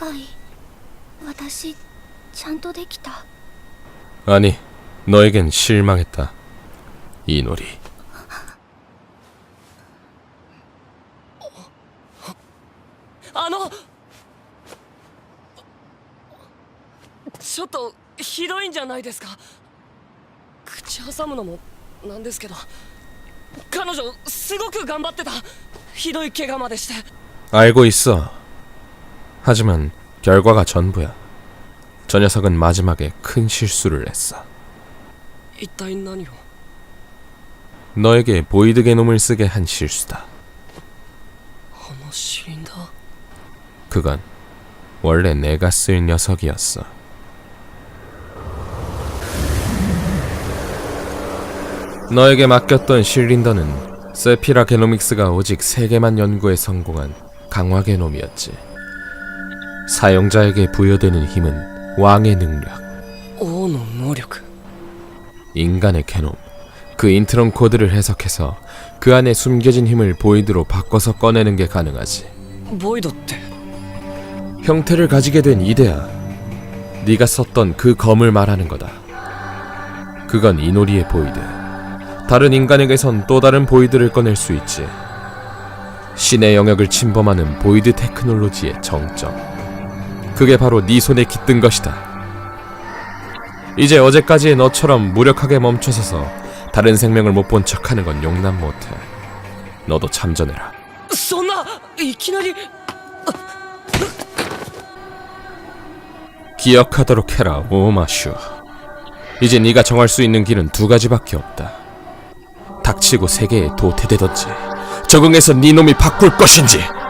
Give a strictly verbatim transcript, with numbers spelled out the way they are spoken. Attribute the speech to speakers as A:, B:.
A: 回私ちゃんとできた。
B: 아니, 너에겐 실망했다. 이노리.
C: あのちょっとひどいんじゃないですか。口挟むのもなんですけど、彼女すごく頑張ってた。ひどい怪我までして。
B: 알고 있어. 하지만 결과가 전부야. 저 녀석은 마지막에 큰 실수를 했어.
C: 一体何を。
B: 너에게 보이드 게놈을 쓰게 한 실수다.
C: あのシリンダー。
B: 그건 원래 내가 쓸 녀석이었어. 너에게 맡겼던 실린더는 세피라 게노믹스가 오직 세 개만 연구에 성공한 강화 게놈이었지. 사용자에게 부여되는 힘은 왕의 능력,
C: 王の能力。
B: 인간의 게놈, 그 인트론 코드를 해석해서 그 안에 숨겨진 힘을 보이드로 바꿔서 꺼내는 게 가능하지.
C: ボイドって。
B: 형태를 가지게 된 이데아, 네가 썼던 그 검을 말하는 거다. 그건 이노리의 보이드. 다른 인간에게선 또 다른 보이드를 꺼낼 수 있지. 신의 영역을 침범하는 보이드 테크놀로지의 정점. 그게 바로 네 손에 깃든 것이다. 이제 어제까지의 너처럼 무력하게 멈춰서서 다른 생명을 못 본 척하는 건 용납 못해. 너도 참전해라.
C: そんないきなり。
B: 기억하도록 해라, 오마슈. 이제 네가 정할 수 있는 길은 두 가지밖에 없다. 닥치고 세계에 도태되던지, 적응해서 네 놈이 바꿀 것인지.